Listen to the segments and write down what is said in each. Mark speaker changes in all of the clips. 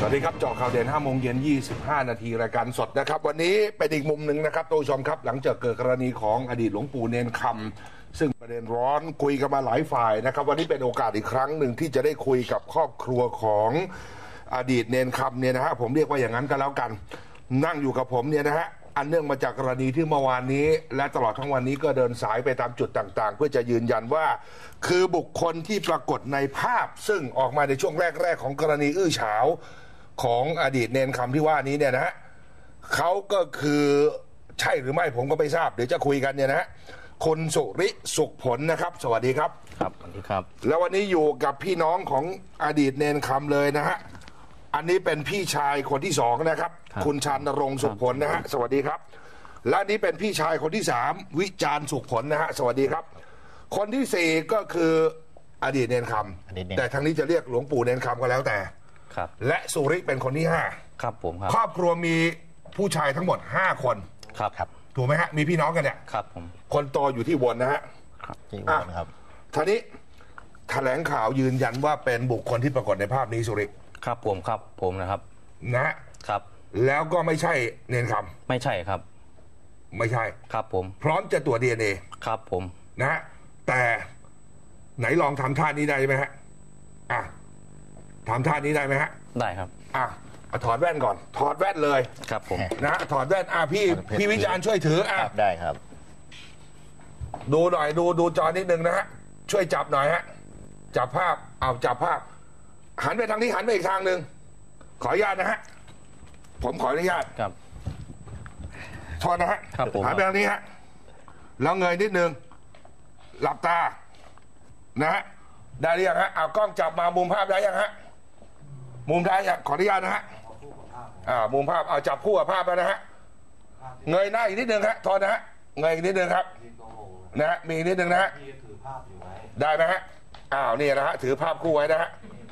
Speaker 1: สวัสดีครับเจาะข่าวเด่น5 โมงเย็น 25 นาทีรายการสดนะครับวันนี้เป็นอีกมุมหนึ่งนะครับท่านผู้ชมครับหลังจากเกิดกรณีของอดีตหลวงปู่เนนคำซึ่งประเด็นร้อนคุยกันมาหลายฝ่ายนะครับวันนี้เป็นโอกาสอีกครั้งหนึ่งที่จะได้คุยกับครอบครัวของอดีตเนนคำเนี่ยนะฮะผมเรียกว่าอย่างนั้นก็แล้วกันนั่งอยู่กับผมเนี่ยนะฮะอันเนื่องมาจากกรณีที่เมื่อวานนี้และตลอดทั้งวันนี้ก็เดินสายไปตามจุดต่างๆเพื่อจะยืนยันว่าคือบุคคลที่ปรากฏในภาพซึ่งออกมาในช่วงแรกๆของกรณีอื้อฉาวของอดีตเนนคำที่ว่านี้เนี่ยนะฮะเขาก็คือใช่หรือไม่ผมก็ไม่ทราบเดี๋ยวจะคุยกันเนี่ยนะฮะคุณสุริสุขผลนะครับสวัสดีครับ
Speaker 2: ครับสวัสดีครับ
Speaker 1: แล้ววันนี้อยู่กับพี่น้องของอดีตเนนคำเลยนะฮะอันนี้เป็นพี่ชายคนที่สองนะครับคุณชันนรงค์สุขผลนะฮะสวัสดีครับและนี้เป็นพี่ชายคนที่สามวิจารณ์สุขผลนะฮะสวัสดีครับคนที่สี่ก็คืออดีตเนนคำแต่ทางนี้จะเรียกหลวงปู่เนนคำก็แล้วแต่และสุริเป็นคนที่ห้า
Speaker 2: ครับผมครับ
Speaker 1: ครอบครัวมีผู้ชายทั้งหมด5 คน
Speaker 2: ครับ
Speaker 1: ถูกไหมฮะมีพี่น้องกันเนี่ย
Speaker 2: ครับผม
Speaker 1: คนโตอยู่ที่วนนะฮะ
Speaker 2: ครับที่วนครับ
Speaker 1: ท่านี้แถลงข่าวยืนยันว่าเป็นบุคคลที่ปรากฏในภาพนี้สุริ
Speaker 2: ครับผมนะครับ
Speaker 1: นะครับแล้วก็ไม่ใช่เนนคำ
Speaker 2: ไม่ใช่ครับ
Speaker 1: ไม่ใช่
Speaker 2: ครับผม
Speaker 1: พร้อมจะตรวจ DNA
Speaker 2: ครับผม
Speaker 1: นะฮะแต่ไหนลองทำท่านี้ได้ไหมฮะทำท่านี้ได้ไหมฮะ
Speaker 2: ได้ครับ
Speaker 1: ถอดแว่นก่อนถอดแว่นเลย
Speaker 2: ครับผม
Speaker 1: นะถอดแว่นพี่วิจารณ์ช่วยถือ
Speaker 2: ได้ครับ
Speaker 1: ดูหน่อยดูจอนิดนึงนะฮะช่วยจับหน่อยฮะจับภาพจับภาพหันไปทางนี้หันไปอีกทางหนึ่งขออนุญาตนะฮะผมขออนุญาต
Speaker 2: ครับ
Speaker 1: ถอดนะฮะหันไปทางนี้ฮะแล้วเงยนิดนึงหลับตานะฮะได้หรือยังฮะเอากล้องจับมามุมภาพได้ยังฮะมุมได้ยังขออนุญาตนะฮะมุมภาพเอาจับคู่กับภาพแล้วนะฮะเงยหน้าอีกนิดนึงฮะถอดนะฮะเงยอีกนิดนึงครับนะฮะมีนิดนึงนะฮะได้ไหมฮะนี่นะฮะถือภาพคู่ไว้นะฮะ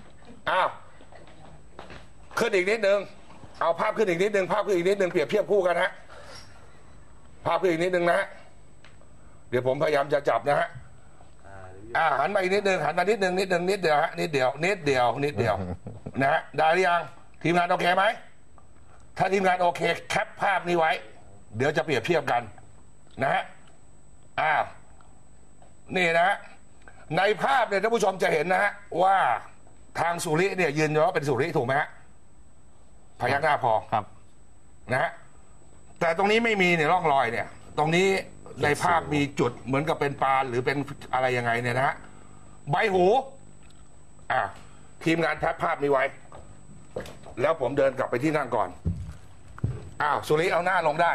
Speaker 1: ขึ้นอีกนิดนึงเอาภาพขึ้นอีกนิดนึงภาพขึ้นอีกนิดนึงเปรียบเทียบคู่กันฮะภาพขึ้นอีกนิดนึงนะฮะเดี๋ยวผมพยายามจะจับนะฮะหันมาอีกนิดนึงหันมานิดนึงนิดเดียวฮะนิดเดียวนะฮะได้หรือยังทีมงานโอเคไหมถ้าทีมงานโอเคแคปภาพนี้ไว้เดี๋ยวจะเปรียบเทียบกันนะฮะนี่นะฮะในภาพเนี่ยท่านผู้ชมจะเห็นนะฮะว่าทางสุริเนี่ยยืนยันว่าเป็นสุริถูกไหมฮะพยักหน้าพอ
Speaker 2: ครับ
Speaker 1: นะฮะแต่ตรงนี้ไม่มีเนี่ยร่องรอยเนี่ยตรงนี้ในภาพมีจุดเหมือนกับเป็นปานหรือเป็นอะไรยังไงเนี่ยนะฮะใบหูทีมงานแพปภาพนี้ไว้แล้วผมเดินกลับไปที่นั่งก่อนสุริเอาหน้าลงได้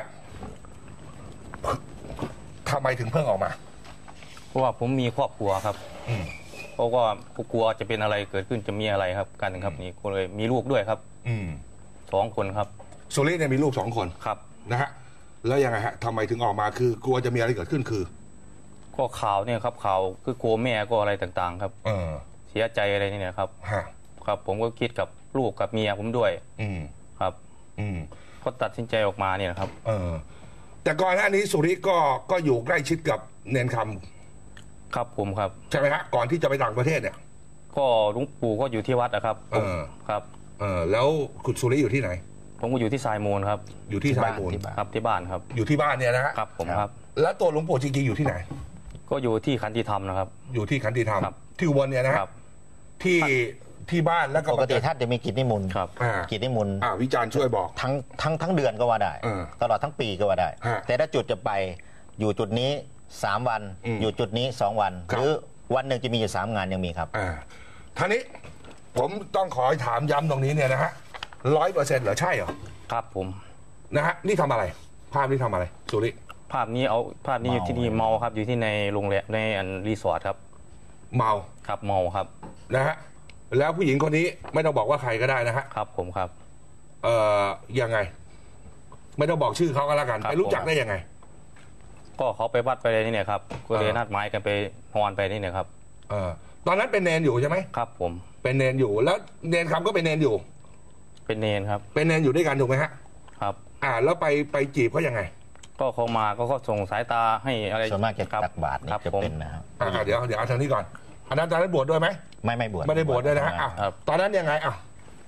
Speaker 1: ทำไมถึงเพิ่งออกมา
Speaker 2: เพราะว่าผมมีครอบครัวครับเพราะว่าผมกลัวจะเป็นอะไรเกิดขึ้นจะมีอะไรครับกันครับนี่ก็เลยมีลูกด้วยครับ2 คนครับ
Speaker 1: สุริเนี่ยมีลูก2 คน
Speaker 2: ครับ
Speaker 1: นะฮะแล้วยังไงฮะทำไมถึงออกมาคือกลัวจะมีอะไรเกิดขึ้นคือ
Speaker 2: ก็ข่าวเนี่ยครับข่าวคือกลัวแม่ก็อะไรต่างๆครับเสียใจอะไรนี่เนี่ยครับครับผมก็คิดกับลูกกับเมียผมด้วยครับก็ตัดสินใจออกมาเนี่ยครับ
Speaker 1: แต่ก่อนหน้านี้สุริก็อยู่ใกล้ชิดกับเนนคำ
Speaker 2: ครับผมครับ
Speaker 1: ใช่ไหมฮะก่อนที่จะไปต่างประเทศเนี่ย
Speaker 2: ก็หลวงปู่ก็อยู่ที่วัดนะครับครับ
Speaker 1: แล้วคุณสุริอยู่ที่ไหน
Speaker 2: ผมก็อยู่ที่ทรายมูลครับ
Speaker 1: อยู่ที่ทรายมูล
Speaker 2: ครับที่บ้านครับ
Speaker 1: อยู่ที่บ้านเนี่ยนะฮะ
Speaker 2: ครับผมครับ
Speaker 1: แล้วตัวหลวงปู่จริงๆอยู่ที่ไหน
Speaker 2: ก็อยู่ที่ขันติธรรมนะครับ
Speaker 1: อยู่ที่ขันติธรรมที่อุบลเนี่ยนะครับที่บ้านแล้วก็
Speaker 3: ปกติท่านจะมีกิจนิมนต์
Speaker 2: ครับ
Speaker 3: กิจนิมนต์
Speaker 1: วิจารณ์ช่วยบอก
Speaker 3: ทั้งเดือนก็ว่าได้ตลอดทั้งปีก็ว่าได้แต่ถ้าจุดจะไปอยู่จุดนี้3 วันอยู่จุดนี้2 วันหรือวันหนึ่งจะมีอยู่3 งานยังมีครับ
Speaker 1: ท่านี้ผมต้องขอถามย้ำตรงนี้เนี่ยนะฮะ100%เหรอใช่เหรอ
Speaker 2: ครับผม
Speaker 1: นะฮะนี่ทำอะไรภาพนี้ทำอะไรสุริ
Speaker 2: ภาพนี้อยู่ที่นี่เมาครับอยู่ที่ในโรงแรมในรีสอร์ทครับ
Speaker 1: เมา
Speaker 2: ครับเมาครับ
Speaker 1: นะฮะแล้วผู้หญิงคนนี้ไม่ต้องบอกว่าใครก็ได้นะฮะ
Speaker 2: ครับผมครับ
Speaker 1: ยังไงไม่ต้องบอกชื่อเขาก็แล้วกันไปรู้จักได้ยังไง
Speaker 2: ก็เขาไปวัดไปอะไรนี่เนี่ยครับก็เลยนัดหมายกันไปฮอนไปนี่เนี่ยครับ
Speaker 1: ตอนนั้นเป็นเนนอยู่ใช่ไหม
Speaker 2: ครับผม
Speaker 1: เป็นเนนอยู่แล้วเนนคำก็เป็นเนนอยู่
Speaker 2: เป็นเนนครับ
Speaker 1: เป็นเนนอยู่ด้วยกันถูกไหมฮะ
Speaker 2: ครับ
Speaker 1: แล้วไปจีบเขายังไง
Speaker 2: ก็เขามาก็ส่งสายตาให้อะไร
Speaker 3: ส่วนมากจะตักบาตรนี่จะเป็นนะครับ
Speaker 1: เดี๋ยวเอาทางนี้ก่อนอันนั้นตอนนั้นบวชด้วยไหม
Speaker 3: ไม่บวช
Speaker 1: ไม่ได้บวชด้วยนะฮะตอนนั้นยังไง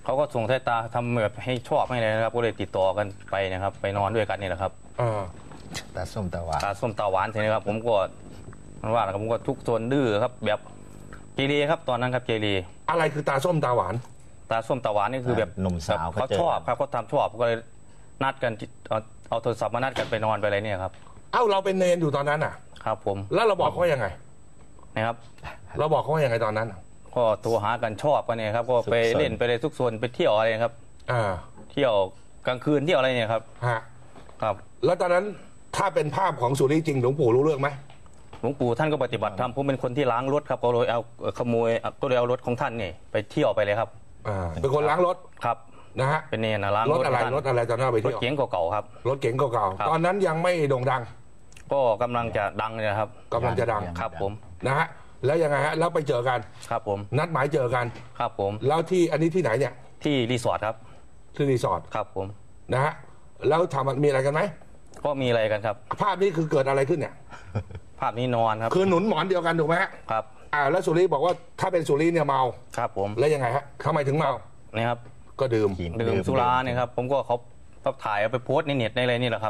Speaker 2: เขาก็ส่งสายตาทำแบบให้ชอบให้เลยนะครับก็เลยติดต่อกันไปนะครับไปนอนด้วยกันนี่แหละครับ
Speaker 3: ตาส้มตาหวาน
Speaker 2: ตาส้มตาหวานใช่ไหมครับผมก็มันว่าผมก็ทุกโซนดื้อครับแบบเกเรครับตอนนั้นครับเกเร
Speaker 1: อะไรคือตาส้มตาหวาน
Speaker 2: ตาส้มตาหวานนี่คือแบบ
Speaker 3: หนุ่มสาว
Speaker 2: เขาชอบครับเขาทำชอบก็เลยนัดกันเอาโทรศัพท์มานัดกันไปนอนไปอะไรเนี่ยครับ
Speaker 1: เราเป็นเนนอยู่ตอนนั้นอ่ะ
Speaker 2: ครับผม
Speaker 1: แล้วเราบอกเขายังไง
Speaker 2: นะครับ
Speaker 1: เราบอกเขายังไงตอนนั้น
Speaker 2: ก็โทรหากันชอบกันเนี่ยครับก็ไปเล่นไปเลยทุกโซนไปเที่ยวอะไรครับเที่ยวกลางคืนเที่ยวอะไรเนี่ยครับครับ
Speaker 1: แล้วตอนนั้นถ้าเป็นภาพของสุริจริงหลวงปู่รู้เรื่องไหม
Speaker 2: หลวงปู่ท่านก็ปฏิบัติธรรมผมเป็นคนที่ล้างรถครับก็เลยเอาขโมยก็เลยเอารถของท่านนี่ไปเที่ยวไปเลยครับ
Speaker 1: เป็นคนล้างรถ
Speaker 2: ครับ
Speaker 1: นะฮะ
Speaker 2: เป็นเนรล้าง
Speaker 1: รถอะไรตอนนั้นไปเที่ยว
Speaker 2: รถเก๋งเก่าๆครับ
Speaker 1: รถเก๋งเก่าๆตอนนั้นยังไม่โด่งดัง
Speaker 2: ก็กำลังจะดังเลยครับ
Speaker 1: กำลังจะดัง
Speaker 2: ครับผม
Speaker 1: นะฮะแล้วยังไงฮะแล้วไปเจอกัน
Speaker 2: ครับผม
Speaker 1: นัดหมายเจอกัน
Speaker 2: ครับผม
Speaker 1: แล้วที่อันนี้ที่ไหนเนี่ย
Speaker 2: ที่รีสอร์ทครับ
Speaker 1: ที่รีสอร์ท
Speaker 2: ครับผม
Speaker 1: นะฮะแล้วทำมีอะไรกันไหม
Speaker 2: ก็มีอะไรกันครับ
Speaker 1: ภาพนี้คือเกิดอะไรขึ้นเนี่ย
Speaker 2: ภาพนี้นอนครับ
Speaker 1: คือหนุนหมอนเดียวกันถูกไหม
Speaker 2: ครับ
Speaker 1: แล้วสุริบอกว่าถ้าเป็นสุริเนี่ยเมา
Speaker 2: ครับผม
Speaker 1: แล้วยังไงฮะทำไมถึงเมา
Speaker 2: นี่ครับ
Speaker 1: ก็ดื่ม
Speaker 2: สุราเนี่ยครับผมก็เขาถ่ายเอาไปโพสในเน็ตในอะไรนี่แหละครับ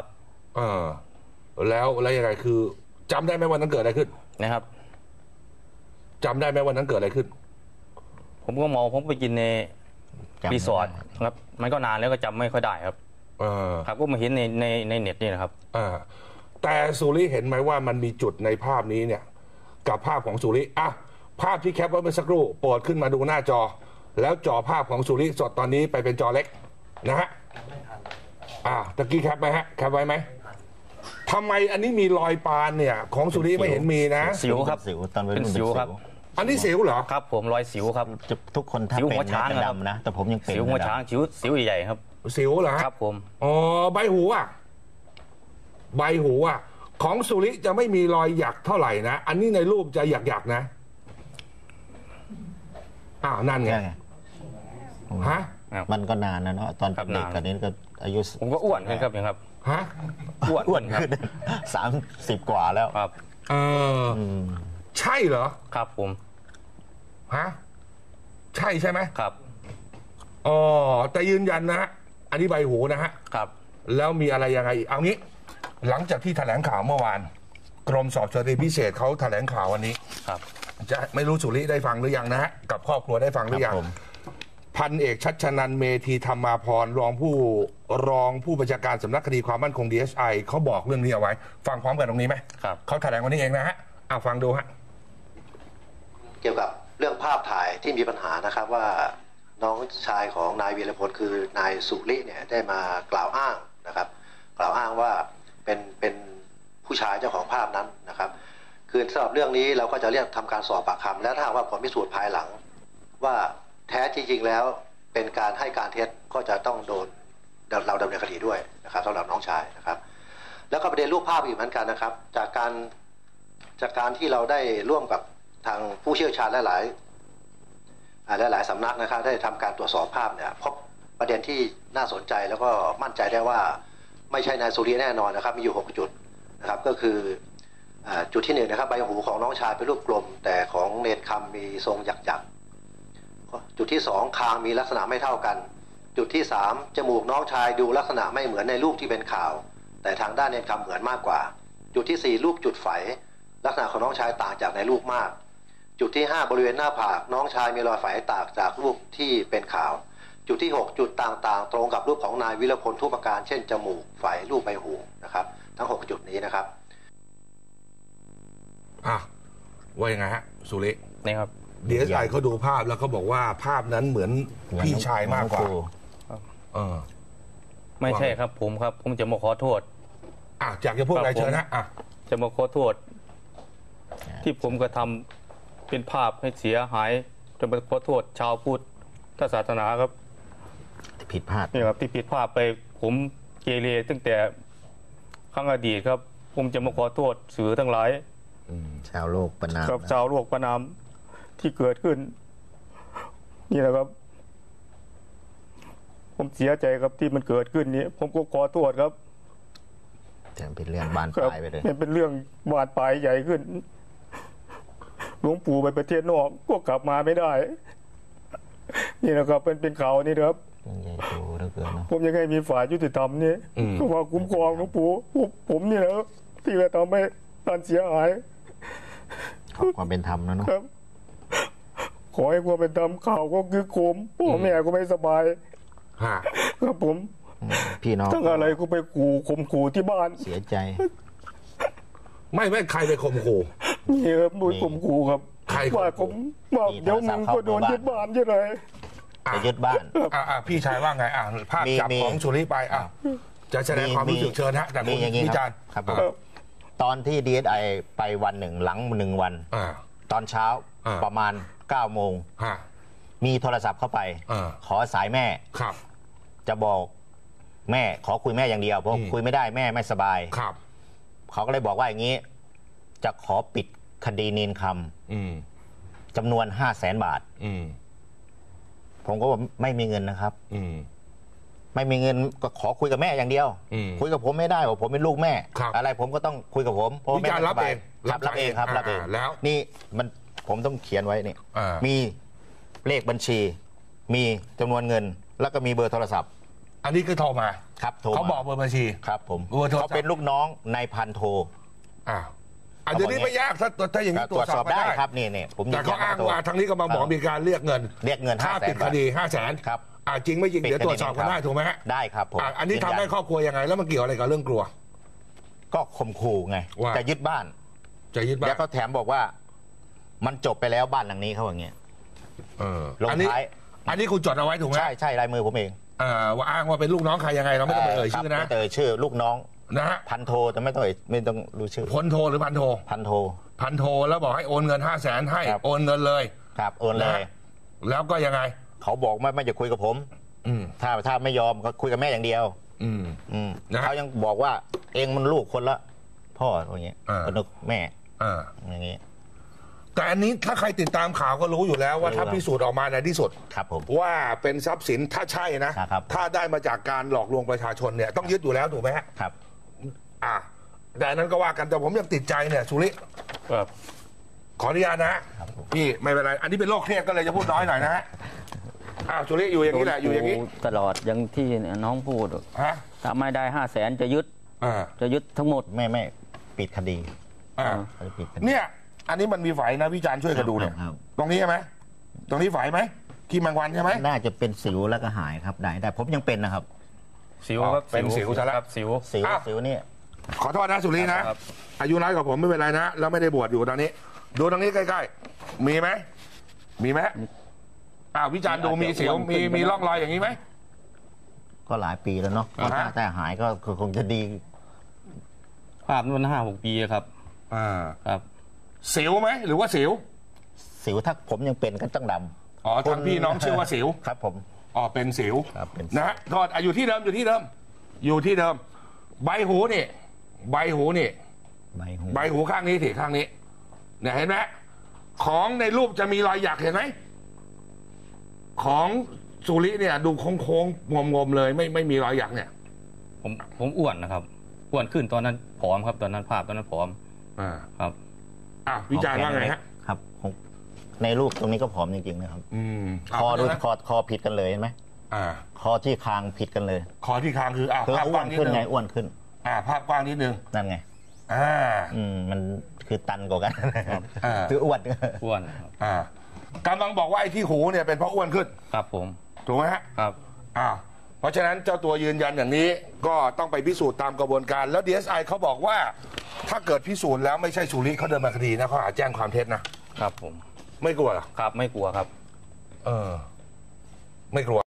Speaker 1: แล้วยังไงคือจำได้ไหมวันนั้นเกิดอะไรขึ้น
Speaker 2: นะครับ
Speaker 1: จำได้ไหมวันนั้นเกิดอะไรขึ้น
Speaker 2: ผมก็เมาผมไปกินในรีสอร์ทครับมันก็นานแล้วก็จำไม่ค่อยได้ครับครับก็มาเห็นในเน็ตนี่นะครับ
Speaker 1: แต่สุริเห็นไหมว่ามันมีจุดในภาพนี้เนี่ยกับภาพของสุริภาพที่แคปไว้เมื่อสักครู่โปรดขึ้นมาดูหน้าจอแล้วจอภาพของสุริสดตอนนี้ไปเป็นจอเล็กนะฮะตะกี้แคปไหมฮะแคปไว้ไหมทำไมอันนี้มีรอยปานเนี่ยของสุริไม่เห็นมีนะ
Speaker 2: สิวครับ
Speaker 3: สิวตอนเป็น
Speaker 2: สิวครับ
Speaker 1: อันนี้สิวเหรอ
Speaker 2: ครับผมรอยสิวครับ
Speaker 3: ทุกคนถ้าเป็นจะดำนะแต่ผมยังเป็น
Speaker 2: สิวหัวช้างสิวใหญ่ครับ
Speaker 1: สิวเหรอ
Speaker 2: ครับผม
Speaker 1: ใบหูใบหูของสุริจะไม่มีรอยหยักเท่าไหร่นะอันนี้ในรูปจะหยักนะนั่นไงฮะ
Speaker 3: มันก็นานนะเนาะตอนเด็กกันนี้ก็อายุ
Speaker 2: ผมก็อ้วนขึ้นครับยังครับ
Speaker 3: อ้วนขึ้น30 กว่าแล้ว
Speaker 2: ครับ
Speaker 1: ใช่เหรอ
Speaker 2: ครับผม
Speaker 1: ใช่ไหม
Speaker 2: ครับ
Speaker 1: แต่ยืนยันนะฮะอันนี้ใบหูนะฮะ
Speaker 2: ครับ
Speaker 1: แล้วมีอะไรยังไงเอางี้หลังจากที่แถลงข่าวเมื่อวานกรมสอบสวนคดีพิเศษเขาแถลงข่าววันนี้
Speaker 2: ครับ
Speaker 1: จะไม่รู้สุริได้ฟังหรือยังนะฮะกับครอบครัวได้ฟังหรือยังพันเอกชัชนันท์เมธีธรรมาภรณ์รองผู้บัญชาการสำนักคดีความมั่นคง DSI เขาบอกเรื่องนี้เอาไว้ฟังพร้อมกันตรงนี้ไหม
Speaker 2: ครับ
Speaker 1: เขาแถลงวันนี้เองนะฮะฟังดูฮะ
Speaker 4: เกี่ยวกับเรื่องภาพถ่ายที่มีปัญหานะครับว่าน้องชายของนายวีรพลคือนายสุริเนี่ยได้มากล่าวอ้างนะครับกล่าวอ้างว่าเป็นผู้ชายเจ้าของภาพนั้นนะครับคือสำหรับเรื่องนี้เราก็จะเรียกทำการสอบปากคำและถ้าว่าผลพิสูจน์ภายหลังว่าแท้จริงๆแล้วเป็นการให้การเท็จก็จะต้องโดนเราดำเนินคดีด้วยนะครับสำหรับน้องชายนะครับแล้วก็ประเด็นรูปภาพอีกเหมือนกันนะครับจากการที่เราได้ร่วมกับทางผู้เชี่ยวชาญหลายสำนักนะครับได้ทำการตรวจสอบภาพเนี่ยพบประเด็นที่น่าสนใจแล้วก็มั่นใจได้ว่าไม่ใช่นายสุริแน่นอนนะครับมีอยู่6จุดนะครับก็คือจุดที่1นะครับใบหูของน้องชายเป็นรูปกลมแต่ของเนรคำมีทรงหยักจุดที่2คางมีลักษณะไม่เท่ากันจุดที่3จมูกน้องชายดูลักษณะไม่เหมือนในรูปที่เป็นข่าวแต่ทางด้านเนรคำเหมือนมากกว่าจุดที่4รูปจุดไฝลักษณะของน้องชายต่างจากในรูปมากจุดที่5บริเวณหน้าผากน้องชายมีรอยไฝต่างจากรูปที่เป็นข่าวจุดที่6จุดต่างๆตรงกับรูปของนายวิรพลทุกประการเช่นจมูกไฝรูปใบหูนะครับทั้ง6จุดนี้นะครับ
Speaker 1: ว่ายังไงฮะสุริ
Speaker 2: นี่ครับ
Speaker 1: DSI เขาดูภาพแล้วเขาบอกว่าภาพนั้นเหมือนพี่ชายมากกว่า
Speaker 2: ไม่ใช่ครับผมจะมาขอโทษ
Speaker 1: อยากจะพูดอะไรเชิญนะ
Speaker 2: จะมาขอโทษที่ผมกระทำเป็นภาพให้เสียหายจะมาขอโทษชาวพุทธศาสนาครับ
Speaker 3: ผิดพลาด
Speaker 2: นี่ครับที่ผิดพลาดไปผมเกเรตั้งแต่ครั้งอดีตครับผมจะมาขอโทษสื่อทั้งหลาย
Speaker 3: ชาวโลกประนาม
Speaker 2: ครับชาวโลกประนามที่เกิดขึ้นนี่แหละครับผมเสียใจครับที่มันเกิดขึ้นนี้ผมก็ขอโทษครับ
Speaker 3: แต่เป็นเรื่องบานปลายไปเลย
Speaker 2: เป็นเรื่องบานปลายใหญ่ขึ้นหลวงปู่ไปประเทศนอกก็กลับมาไม่ได้
Speaker 5: นี่นะครับเป็นข่าวนี่นะครับ
Speaker 3: ใหญ่โตเหลือเกินเนาะ
Speaker 5: ผมยังให้มีฝ่ายยุติธรรมนี่ก็มาคุ้มครองหลวงปู่ผมนี่แหละที่จะทำให้ท่านเสียหาย
Speaker 3: ขอความเป็นธรรมนะเนาะ
Speaker 5: ครับ ขอให้ความเป็นธรรมข่าวก็คือโคมพ่อแม่ก็ไม่สบาย
Speaker 1: ฮะ
Speaker 5: ครับผม
Speaker 3: พี่น้อง
Speaker 5: ทั้งอะไรก็ไปข่มขู่ที่บ้าน
Speaker 3: เสียใจ
Speaker 1: ไม่ใครไปข่มขู่
Speaker 5: นี่ครับโดยข่มขู่ครับ
Speaker 1: ใครข่มขู่
Speaker 5: ว่าผมว่าเดี๋ยวมึงก็โดนยึดบ้านใช่ไหม
Speaker 3: จะยึดบ้าน
Speaker 1: พี่ชายว่าไงภาพจับของสุริไปจะแสดงความรู้สึกเชิญฮะแต่
Speaker 3: มี
Speaker 1: คุณ
Speaker 3: อย่างนี้
Speaker 1: วิ
Speaker 3: ค
Speaker 1: จา
Speaker 3: รั
Speaker 1: ร
Speaker 3: บ
Speaker 1: ณ์
Speaker 3: ครับผมตอนที่ DSI ไปวันหนึ่งหลัง1 วัน ตอนเช้าประมาณ9 โมง มีโทรศัพท์เข้าไป ขอสายแม่
Speaker 1: ครับ
Speaker 3: จะบอกแม่ขอคุยแม่อย่างเดียวเพราะคุยไม่ได้แม่ไม่สบาย
Speaker 1: ครับ
Speaker 3: เขาก็เลยบอกว่าอย่างนี้ จะขอปิดคดีนีนคำจำนวน500,000 บาท ผมก็บอกไม่มีเงินนะครับ ไม่มีเงินก็ขอคุยกับแม่อย่างเดียว คุยกับผมไม่ได้ว่าผมเป็นลูกแม่ อะไรผมก็ต้องคุยกับผมเพราะ
Speaker 1: วิ
Speaker 3: แม่
Speaker 1: จารณ์
Speaker 3: ไม่
Speaker 1: รั
Speaker 3: ส
Speaker 1: บบ
Speaker 3: า
Speaker 1: เอย ง
Speaker 3: รับเองครับรับเอง
Speaker 1: แล้ว
Speaker 3: นี่มันผมต้องเขียนไว้นี่ มีเลขบัญชี มีจำนวนเงิน แล้วก็มีเบอร์โทรศัพท์
Speaker 1: อันนี้คือโทรมา
Speaker 3: ครับโทร
Speaker 1: เขาบอกเบอร์บัญชี
Speaker 3: ครับผม
Speaker 1: เบอร์โทรศัพท์
Speaker 3: เขาเป็นลูกน้องนายพันโท
Speaker 1: อันนี้ไม่ยากถ้าอย่างนี้
Speaker 3: ตรวจสอบได้ครับนี่ผม
Speaker 1: แต่เขาอ้างว่าทางนี้ก็มาบอกมีการเรียกเงิน ค่าปิดคดี500,000
Speaker 3: ครับ
Speaker 1: จริงไม่จริงเดี๋ยวตรวจสอบกันได้ถูกไหมฮะ
Speaker 3: ได้ครับผม
Speaker 1: อันนี้ทำให้ครอบครัวยังไง แล้วมันเกี่ยวอะไรกับเรื่องกลัว
Speaker 3: ก็ข่มขู่ไง
Speaker 1: ว่า
Speaker 3: จะยึดบ้าน
Speaker 1: จะยึดบ้าน
Speaker 3: แล้วก็แถมบอกว่า มันจบไปแล้วบ้านหลังนี้เขาอย่างเงี้ย ลงท้าย
Speaker 1: อันนี้คุณจดเอาไว้ถูกไหม
Speaker 3: ใช่ลายมือผมเอง
Speaker 1: ว่าอ้างว่าเป็นลูกน้องใครยังไงเราไม่ต้องไปเอ่ยชื่อนะ
Speaker 3: ไม่ต้องเอ่ยชื่อลูกน้อง
Speaker 1: นะฮะ
Speaker 3: พันโทแต่ไม่ต้องรู้ชื่อ
Speaker 1: พลโทหรือพันโท
Speaker 3: พันโท
Speaker 1: พันโทแล้วบอกให้โอนเงิน500,000ให้
Speaker 3: ครับ
Speaker 1: โอนเงินเลย
Speaker 3: ครับโอนเลย
Speaker 1: แล้วก็ยังไง
Speaker 3: เขาบอกไม่จะคุยกับผมถ้าไม่ยอมก็คุยกับแม่อย่างเดียวเขายังบอกว่าเองมันลูกคนละพ่ออย่างเงี้ยก็นึกแม่อย่างเงี้ย
Speaker 1: แต่อันนี้ถ้าใครติดตามข่าวก็รู้อยู่แล้วว่าถ้าพิสูจน์ออกมาในที่สุด
Speaker 3: ครับผม
Speaker 1: ว่าเป็นทรัพย์สินถ้าใช่นะครับ ถ้าได้มาจากการหลอกลวงประชาชนเนี่ยต้องยึดอยู่แล้วถูกไหมฮะ
Speaker 3: ครับ
Speaker 1: แต่อันนั้นก็ว่ากันแต่ผมยังติดใจเนี่ยสุริ
Speaker 2: ครับ
Speaker 1: ขออนุญาตนะฮะพี่ไม่เป็นไรอันนี้เป็นโรคเครียดก็เลยจะพูดน้อยหน่อยนะฮะสุริอยู่อย่างนี้แหละอยู่อย่างนี้
Speaker 6: ตลอดอย่างที่น้องพูด
Speaker 1: ฮะ
Speaker 6: ถ้าไม่ได้500,000จะยึดทั้งหมด
Speaker 3: ไม่ปิดคดีปิดคดี
Speaker 1: เนี่ยอันนี้มันมีไฝนะพี่จานช่วยกันดูเนี่ย
Speaker 3: ครับ
Speaker 1: ตรงนี้ใช่ไหมตรงนี้ไฝไหมขี้แมงวันใช่ไหม
Speaker 3: น่าจะเป็นสิวแล้วก็หายครับได้ผมยังเป็นนะครับ
Speaker 2: สิวครับ
Speaker 1: เป็นสิวซะแล้ว
Speaker 2: ครับสิว
Speaker 3: สิวนี่
Speaker 1: ขอโทษนะสุรินะครับ อายุน้อยกว่าผมไม่เป็นไรนะแล้วไม่ได้บวชอยู่ตอนนี้ ดูตรงนี้ใกล้ๆมีไหมมีไหมวิจารณ์ดูมีสิวมีร่องรอยอย่างนี้ไหม
Speaker 3: ก็หลายปีแล้วเนาะแต่หายก็คงจะดี
Speaker 2: ภาพนั้น5-6 ปีครับครับ
Speaker 1: สิวไหมหรือว่าสิว
Speaker 3: สิวถ้าผมยังเป็นก็ต้องดำ
Speaker 1: ทางพี่น้องชื่อว่าสิว
Speaker 3: ครับผม
Speaker 1: เป็นสิว
Speaker 3: ครับเป็นสิว
Speaker 1: นะฮะโทษอยู่ที่เดิมอยู่ที่เดิมใบหูนี่ใบหูข้างนี้สิข้างนี้เนี่ยเห็นไหมของในรูปจะมีรอยหยักเห็นไหมของสุริเนี่ยดูโค้งๆงมๆเลยไม่มีรอยหยักเนี่ย
Speaker 2: ผมอ้วนนะครับอ้วนขึ้นตอนนั้นผอมครับตอนนั้นภาพตอนนั้นผอมครับ
Speaker 1: วิจารณ์ว่าไงฮะ
Speaker 3: ครับในรูปตรงนี้ก็ผอมจริงๆนะครับคอดูคอผิดกันเลยเห็นไหมคอที่คางผิดกันเลย
Speaker 1: คอที่คางคือภาพก
Speaker 3: อ้ว
Speaker 1: ว้าง
Speaker 3: น
Speaker 1: นิด
Speaker 3: ขึ้น
Speaker 1: นึง
Speaker 3: ไงอ้วนขึ้น
Speaker 1: ภาพกว้างนิดนึง
Speaker 3: นั่นไงมันคือตันกว่ากัน
Speaker 1: อ่า
Speaker 3: คืออ้วน
Speaker 2: อ้วนครับ
Speaker 1: กำลังบอกว่าไอ้ที่หูเนี่ยเป็นเพราะอ้วนขึ้น
Speaker 2: ครับผม
Speaker 1: ถูกไหมฮะ
Speaker 2: ครับ
Speaker 1: เพราะฉะนั้นเจ้าตัวยืนยันอย่างนี้ก็ต้องไปพิสูจน์ตามกระบวนการแล้ว DSI เขาบอกว่าถ้าเกิดพิสูจน์แล้วไม่ใช่สุริเขาเดินมาคดีนะเขาอาจแจ้งความเท็จนะครับ
Speaker 2: ผม
Speaker 1: ไม่กลัวเหรอ
Speaker 2: ครับไม่กลัวครับ
Speaker 1: ไม่กลัว